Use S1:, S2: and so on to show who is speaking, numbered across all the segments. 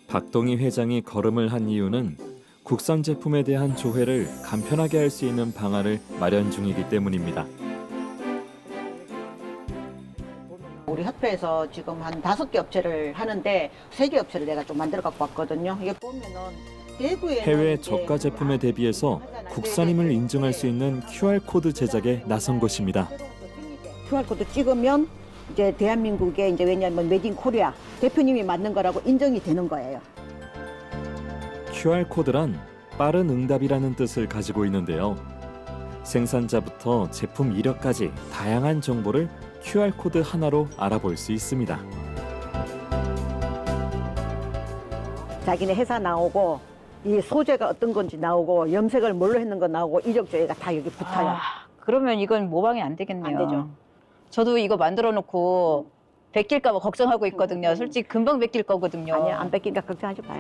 S1: 박동희 회장이 걸음을 한 이유는 국산 제품에 대한 조회를 간편하게 할 수 있는 방안을 마련 중이기 때문입니다.
S2: 우리 협회에서 지금 한 5개 업체를 하는데 3개 업체를 내가 좀 만들어 갖고 왔거든요. 이게 보면은 대구에
S1: 해외 저가 제품에 대비해서 국산임을 인증할 수 있는 QR코드 제작에 나선 것입니다.
S2: QR코드 찍으면 이제 대한민국에 이제 왜냐하면 메이드 인 코리아 대표님이 만든 거라고 인정이 되는 거예요.
S1: QR코드란 빠른 응답이라는 뜻을 가지고 있는데요. 생산자부터 제품 이력까지 다양한 정보를 QR코드 하나로 알아볼 수 있습니다.
S2: 자기네 회사 나오고 이 소재가 어떤 건지 나오고 염색을 뭘로 했는 거 나오고 이력 조회가 다 여기 붙어요.
S3: 그러면 이건 모방이 안 되겠네요.
S2: 안 되죠.
S3: 저도 이거 만들어 놓고 베낄까 봐 걱정하고 있거든요. 솔직히 금방 베낄 거거든요.
S2: 아니야, 안 뺏기니까 걱정하지 마요.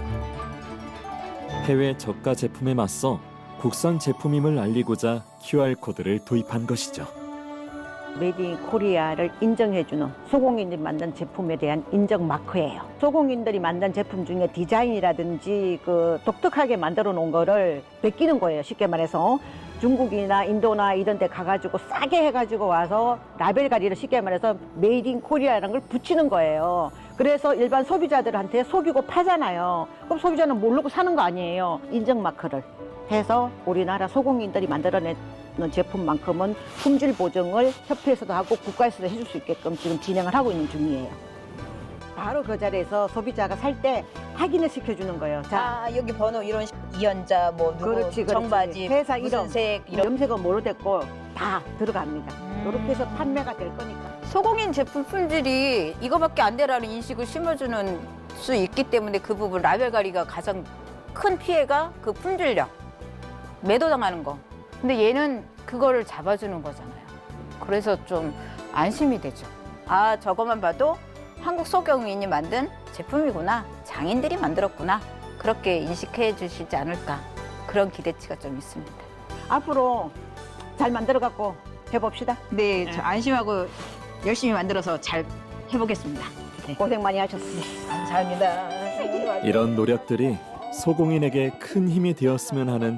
S1: 해외 저가 제품에 맞서 국산 제품임을 알리고자 QR코드를 도입한 것이죠.
S2: 메이드 인 코리아를 인정해주는 소공인들이 만든 제품에 대한 인정 마크예요. 소공인들이 만든 제품 중에 디자인이라든지 그 독특하게 만들어 놓은 거를 베끼는 거예요. 쉽게 말해서 중국이나 인도나 이런 데 가가지고 싸게 해가지고 와서 라벨 가리를 쉽게 말해서 메이드 인 코리아라는 걸 붙이는 거예요. 그래서 일반 소비자들한테 속이고 파잖아요. 그럼 소비자는 모르고 사는 거 아니에요. 인정 마크를 해서 우리나라 소공인들이 만들어낸 제품만큼은 품질 보증을 협회에서도 하고 국가에서도 해줄 수 있게끔 지금 진행을 하고 있는 중이에요. 바로 그 자리에서 소비자가 살 때 확인을 시켜주는 거예요. 자,
S3: 여기 번호 이런 이연자 뭐 누구
S2: 그렇지.
S3: 청바지
S2: 회사
S3: 무슨
S2: 이름,
S3: 색 이런
S2: 염색은 뭐로 됐고 다 들어갑니다. 이렇게 해서 판매가 될 거니까.
S3: 소공인 제품 품질이 이거밖에 안 되라는 인식을 심어주는 수 있기 때문에 그 부분 라벨 가리가 가장 큰 피해가 그 품질력 매도당하는 거. 근데 얘는 그거를 잡아주는 거잖아요. 그래서 좀 안심이 되죠. 아, 저것만 봐도 한국 소공인이 만든 제품이구나. 장인들이 만들었구나. 그렇게 인식해 주시지 않을까. 그런 기대치가 좀 있습니다.
S2: 앞으로 잘 만들어 갖고 해봅시다.
S3: 네, 저 안심하고 열심히 만들어서 잘 해보겠습니다.
S2: 고생 많이 하셨습니다.
S3: 감사합니다.
S1: 이런 노력들이 소공인에게 큰 힘이 되었으면 하는